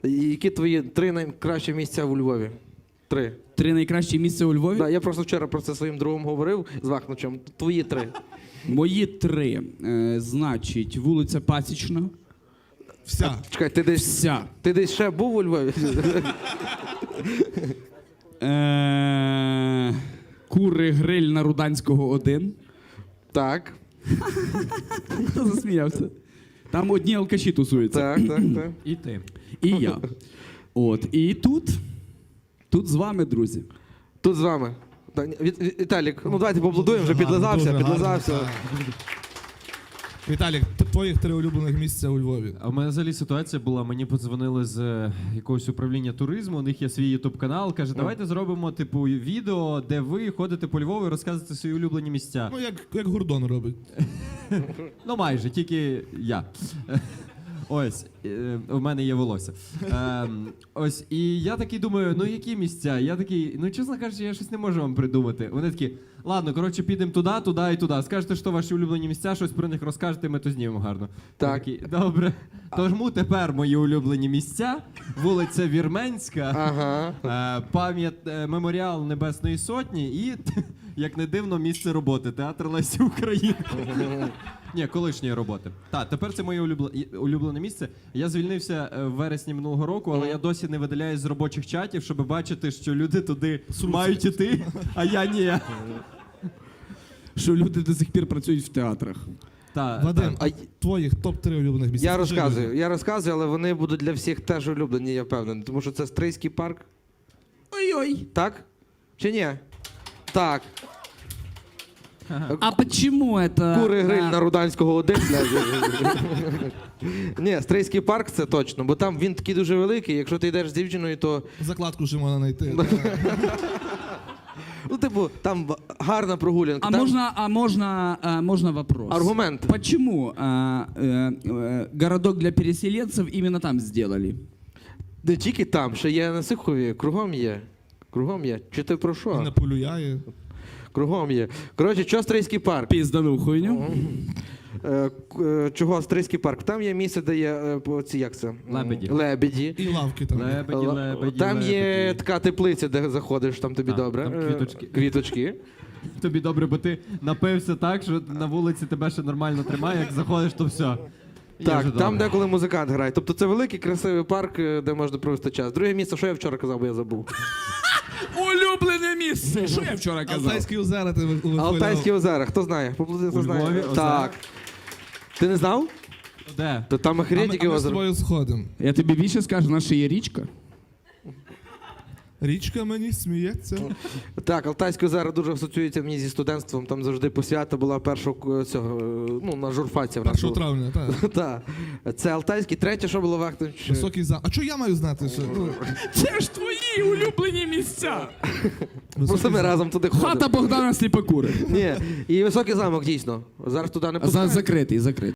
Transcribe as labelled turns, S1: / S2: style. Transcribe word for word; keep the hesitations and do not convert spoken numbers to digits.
S1: І які твої три найкращі місця у Львові? Три.
S2: Три найкращі місця у Львові?
S1: Да, я просто вчора про це своїм другом говорив з Вахнучем. Твої три.
S2: Мої три. Е, значить, вулиця Пасічна.
S3: Вся.
S1: Чекай, ти десь,
S2: Вся.
S1: ти десь ще був у Львові?
S2: Е, Кури гриль на Руданського один.
S1: Так,
S2: Хто засміявся? Там одні алкаші тусуються.
S1: так, так, так.
S4: І ти.
S2: І я. От. І тут. Тут з вами, друзі.
S1: Тут з вами. Так, Віт- Віт- Віталік, ну давайте поаплодуємо, вже
S3: Дуже гарно,
S1: підлизався,
S3: дуже
S1: підлизався.
S3: гарно, так. Віталік, т- твоїх три улюблених місця у Львові.
S4: А в мене взагалі ситуація була, мені подзвонили з е, якогось управління туризму, у них є свій ютуб-канал, каже, давайте зробимо типу відео, де ви ходите по Львову і розказуєте свої улюблені місця.
S3: Ну, як, як Гордон робить.
S4: Ну майже, тільки я. Ось, е, у мене є волосся. Е, ось, і я такий думаю, ну які місця? Я такий, ну чесно кажучи, я щось не можу вам придумати. Вони такі, ладно, коротше, підемо туди, туди і туди. Скажете, що ваші улюблені місця, щось про них розкажете, ми то знімемо гарно.
S1: Так.
S4: Я такий, добре. Тому тепер мої улюблені місця. Вулиця Вірменська,
S1: Ага.
S4: е, пам'ят, е, меморіал Небесної Сотні і, як не дивно, місце роботи. Театр Лесі Українки. Ні, колишньої роботи. Так, тепер це моє улюблене, улюблене місце. Я звільнився е, в вересні минулого року, але я досі не видаляюсь з робочих чатів, щоб бачити, що люди туди мають іти, а я ні.
S2: Що люди до сих пір працюють в театрах.
S4: Та,
S3: Вадим,
S1: А
S3: а твоїх топ три улюблених місця?
S1: Я
S3: Скажи
S1: розказую,
S3: людям.
S1: я розказую, але вони будуть для всіх теж улюблені, я впевнений. Тому що це Стрийський парк.
S2: Ой-ой.
S1: Так? Чи ні? Так.
S2: А почему это...
S1: Кури гриль
S2: а,
S1: на Руданського один. Ні, Стрийський парк це точно, бо там він такий дуже великий, якщо ти йдеш з дівчиною, то,
S3: Закладку ще можна знайти.
S1: ну, типу, там гарна прогулянка.
S2: А
S1: там
S2: можно, а можно, а можно вопрос?
S1: аргумент.
S2: Почему а, э, э, городок для переселенцев именно там сделали?
S1: Не тільки там, ще є на Сихові, кругом є. Кругом є. Чи ти про
S3: І
S1: що?
S3: не полюяє.
S1: Кругом є. Коротше, що Стрийський парк?
S2: Пиздану хуйню.
S1: Е, к- е, Чого Стрийський парк? Там є місце, де є е, по- ці, як це? М,
S4: Лебеді.
S1: Лебеді.
S3: І лавки там.
S4: Лебеді,
S1: Л-
S4: лебеді,
S1: Там є
S4: лебеді.
S1: така теплиця, де заходиш, там тобі
S4: А,
S1: добре.
S4: там
S1: Е,
S4: квіточки.
S1: Квіточки.
S4: Тобі добре, бо ти напився так, що на вулиці тебе ще нормально тримає, як заходиш, то все. Є вже
S1: Так, там
S4: добре.
S1: деколи музикант грає. Тобто це великий, красивий парк, е, де можна провести час. Друге місце, що я вчора казав, бо я забув.
S2: Улюблене місце. Що я вчора казав?
S3: Алтайські озера ти вихваляв.
S1: Алтайські озера, хто знає? Поплати, хто
S4: У
S1: знає.
S4: Львові озера?
S1: Так. Ти не знав?
S4: Де?
S1: То там
S3: А ми,
S1: охренетики
S3: а ми з
S1: озеро.
S3: тобою сходимо.
S2: Я тобі більше скажу, наша є річка.
S3: Річка мені сміється.
S1: Так, Алтайські озера дуже асоціюються мені зі студентством. Там завжди посвята була першого цього, е, ну, на журфаці. в нас
S3: Першого
S1: була.
S3: травня, так.
S1: Так. Це Алтайський. Третє, що було Вахтович?
S3: Високий зам. А що я маю знати? Що? Ну,
S2: Це ж твої улюблені місця.
S1: Просто ми разом туди ходимо.
S2: Хата Богдана Сліпокури.
S1: Ні, і високий замок, дійсно. Зараз туди не
S2: За,
S1: пускають.
S2: закритий, закритий.